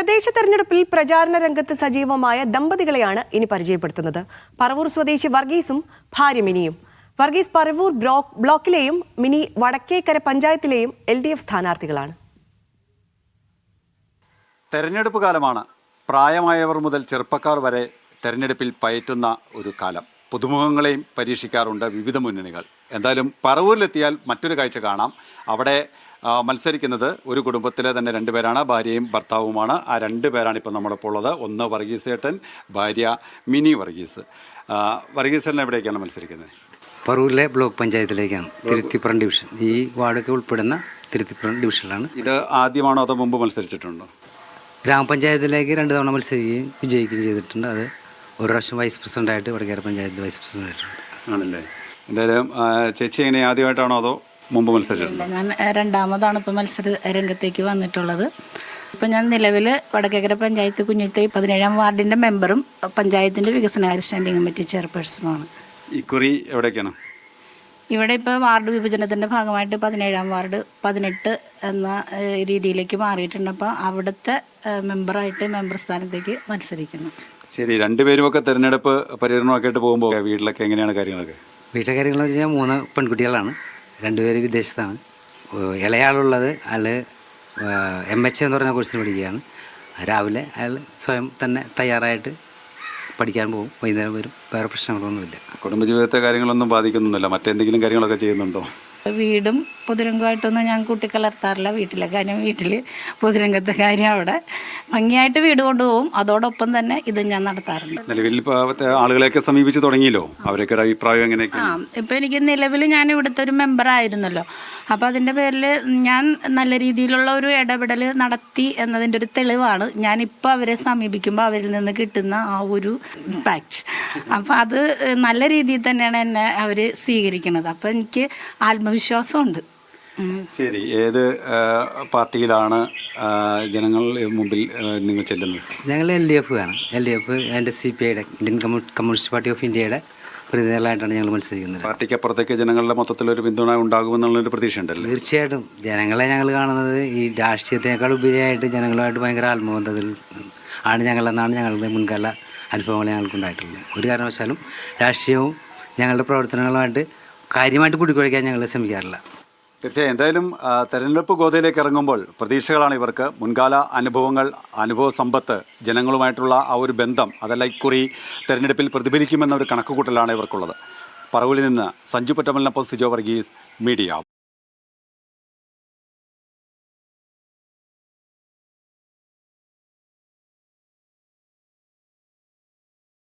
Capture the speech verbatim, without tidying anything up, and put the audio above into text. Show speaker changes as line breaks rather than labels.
തദ്ദേശ തെരഞ്ഞെടുപ്പിൽ പ്രചാരണ രംഗത്ത് സജീവമായ ദമ്പതികളെയാണ് ഇനി പരിചയപ്പെടുത്തുന്നത്. പറവൂർ സ്വദേശി വർഗീസും ഭാര്യ മിനിയും. വർഗീസ് പറവൂർ ബ്ലോക്കിലെയും മിനി വടക്കേക്കര പഞ്ചായത്തിലെയും എൽ ഡി എഫ് സ്ഥാനാർത്ഥികളാണ്.
തെരഞ്ഞെടുപ്പ് കാലമാണ്. പ്രായമായവർ മുതൽ ചെറുപ്പക്കാർ വരെ തെരഞ്ഞെടുപ്പിൽ പയറ്റുന്ന ഒരു കാലം. പുതുമുഖങ്ങളെയും പരീക്ഷിക്കാറുണ്ട് വിവിധ മുന്നണികൾ. എന്തായാലും പറവൂരിലെത്തിയാൽ മറ്റൊരു കാഴ്ച കാണാം. അവിടെ മത്സരിക്കുന്നത് ഒരു കുടുംബത്തിലെ തന്നെ രണ്ടുപേരാണ്, ഭാര്യയും ഭർത്താവുമാണ്. ആ രണ്ട് പേരാണ് ഇപ്പോൾ നമ്മളിപ്പോൾ ഉള്ളത്. ഒന്ന് വർഗീസ് ഏട്ടൻ, ഭാര്യ മിനി വർഗീസ്. വർഗീസ് ഏട്ടൻ എവിടേക്കാണ് മത്സരിക്കുന്നത്?
പറവൂരിലെ ബ്ലോക്ക് പഞ്ചായത്തിലേക്കാണ്, തിരുത്തിപ്പുറം ഡിവിഷൻ. ഈ വാർഡൊക്കെ ഉൾപ്പെടുന്ന തിരുത്തിപ്പുറം ഡിവിഷനിലാണ്.
ഇത് ആദ്യമാണോ അതോ മുമ്പ് മത്സരിച്ചിട്ടുണ്ടോ?
ഗ്രാമപഞ്ചായത്തിലേക്ക് രണ്ട് തവണ മത്സരിക്കുകയും വിജയിക്കുകയും ചെയ്തിട്ടുണ്ട്. അത് ഒരു പ്രാവശ്യം വൈസ് പ്രസിഡൻ്റായിട്ട് വടക്കേര പഞ്ചായത്തിൽ വൈസ് പ്രസിഡൻ്റ് ആയിട്ടുണ്ട്.
ആണല്ലേ. എന്തായാലും ചേച്ചി എങ്ങനെ ആദ്യമായിട്ടാണോ അതോ മുമ്പ് മത്സരിച്ചിട്ടുണ്ടോ?
ഞാൻ രണ്ടാമതാണ് ഇപ്പോൾ മത്സര രംഗത്തേക്ക് വന്നിട്ടുള്ളത്. ഇപ്പം ഞാൻ നിലവിൽ വടക്കേക്കര പഞ്ചായത്ത് കുഞ്ഞിത്തൈ പതിനേഴാം വാർഡിൻ്റെ മെമ്പറും പഞ്ചായത്തിൻ്റെ വികസനകാര്യ സ്റ്റാൻഡിംഗ് കമ്മിറ്റി ചെയർപേഴ്സണുമാണ്.
ഇക്കുറി എവിടേക്കാണ്?
ഇവിടെ ഇപ്പോൾ വാർഡ് വിഭജനത്തിൻ്റെ ഭാഗമായിട്ട് പതിനേഴാം വാർഡ് പതിനെട്ട് എന്ന രീതിയിലേക്ക് മാറിയിട്ടുണ്ട്. അപ്പോൾ അവിടുത്തെ മെമ്പറായിട്ട് മെമ്പർ സ്ഥാനത്തേക്ക് മത്സരിക്കുന്നു.
ശരി,
രണ്ടുപേരുമൊക്കെ തെരഞ്ഞെടുപ്പ് പര്യടനമൊക്കെ ആയിട്ട് പോകുമ്പോൾ വീട്ടിലൊക്കെ എങ്ങനെയാണ് കാര്യങ്ങളൊക്കെ?
വീട്ടിലെ കാര്യങ്ങളെന്ന് വെച്ച് കഴിഞ്ഞാൽ മൂന്ന് പെൺകുട്ടികളാണ്, രണ്ടുപേര് വിദേശത്താണ്. ഇളയാളുള്ളത് അയാൾ എം എച്ച് എന്ന് പറഞ്ഞ കോഴ്സിന് പഠിക്കുകയാണ്. രാവിലെ അയാൾ സ്വയം തന്നെ തയ്യാറായിട്ട് പഠിക്കാൻ പോകും, വൈകുന്നേരം വരും. വേറെ പ്രശ്നങ്ങളൊന്നുമില്ല.
കുടുംബജീവിതത്തെ കാര്യങ്ങളൊന്നും ബാധിക്കുന്നില്ല. മറ്റെന്തെങ്കിലും കാര്യങ്ങളൊക്കെ ചെയ്യുന്നുണ്ടോ?
വീടും പൊതുരംഗമായിട്ടൊന്നും ഞാൻ കൂട്ടിക്കലർത്താറില്ല. വീട്ടിലെ കാര്യം വീട്ടിൽ, പൊതുരംഗത്തെ കാര്യം അവിടെ ഭംഗിയായിട്ട് വീട് കൊണ്ടുപോകും. അതോടൊപ്പം തന്നെ ഇത് ഞാൻ നടത്താറുണ്ട്.
നിലവിൽ ആളുകളെയൊക്കെ സമീപിച്ച് തുടങ്ങിയല്ലോ, അവരൊക്കെ അഭിപ്രായം എങ്ങനെയൊക്കെ?
ആ ഇപ്പം എനിക്ക് നിലവിൽ ഞാൻ ഇവിടുത്തെ ഒരു മെമ്പറായിരുന്നല്ലോ. അപ്പോൾ അതിൻ്റെ പേരിൽ ഞാൻ നല്ല രീതിയിലുള്ള ഒരു ഇടപെടൽ നടത്തി എന്നതിൻ്റെ ഒരു തെളിവാണ് ഞാനിപ്പോൾ അവരെ സമീപിക്കുമ്പോൾ അവരിൽ നിന്ന് കിട്ടുന്ന ആ ഒരു ഇമ്പാക്റ്റ്. അപ്പോൾ അത് നല്ല രീതിയിൽ തന്നെയാണ് എന്നെ അവർ സ്വീകരിക്കുന്നത്. അപ്പോൾ എനിക്ക് ആത്മവിശ്വാസമുണ്ട്.
ശരി, ഏത് പാർട്ടിയിലാണ് ജനങ്ങൾ മുമ്പിൽ നിങ്ങൾ ചെല്ലുന്നത്?
ഞങ്ങൾ എൽ ഡി എഫ് ആണ്. എൽ ഡി എഫ് എൻ്റെ സി പി ഐയുടെ ഇന്ത്യൻ കമ്മ്യൂണിസ്റ്റ് പാർട്ടി ഓഫ് ഇന്ത്യയുടെ പ്രതിനിധികളായിട്ടാണ് ഞങ്ങൾ മത്സരിക്കുന്നത്.
പാർട്ടിക്ക് അപ്പുറത്തേക്ക് ജനങ്ങളുടെ മൊത്തത്തിലൊരു പിന്തുണ ഉണ്ടാകുമെന്നുള്ളൊരു പ്രതീക്ഷ ഉണ്ടല്ലോ?
തീർച്ചയായിട്ടും. ജനങ്ങളെ ഞങ്ങൾ കാണുന്നത് ഈ രാഷ്ട്രീയത്തിനേക്കാൾ ഉപരിയായിട്ട് ജനങ്ങളുമായിട്ട് ഭയങ്കര ആത്മബന്ധത്തിൽ ആണ് ഞങ്ങളെന്നാണ് ഞങ്ങളുടെ മുൻകാല അനുഭവങ്ങൾ ഞങ്ങൾക്കുണ്ടായിട്ടുള്ളത്. ഒരു കാരണവശാലും രാഷ്ട്രീയവും ഞങ്ങളുടെ പ്രവർത്തനങ്ങളുമായിട്ട് കാര്യമായിട്ട് കൂട്ടിക്കുഴയ്ക്കാൻ ഞങ്ങൾ ശ്രമിക്കാറില്ല.
തീർച്ചയായും. എന്തായാലും തെരഞ്ഞെടുപ്പ് ഗോതയിലേക്ക് ഇറങ്ങുമ്പോൾ പ്രതീക്ഷകളാണ് ഇവർക്ക്. മുൻകാല അനുഭവങ്ങൾ, അനുഭവ സമ്പത്ത്, ജനങ്ങളുമായിട്ടുള്ള ആ ഒരു ബന്ധം അതെല്ലാം ഇക്കുറി തെരഞ്ഞെടുപ്പിൽ പ്രതിഫലിക്കുമെന്ന ഒരു കണക്കുകൂട്ടലാണ് ഇവർക്കുള്ളത്. പറവൂരിൽ നിന്ന് സഞ്ജു പറ്റമലിനൊപ്പം സിജോ വർഗീസ്, മീഡിയ.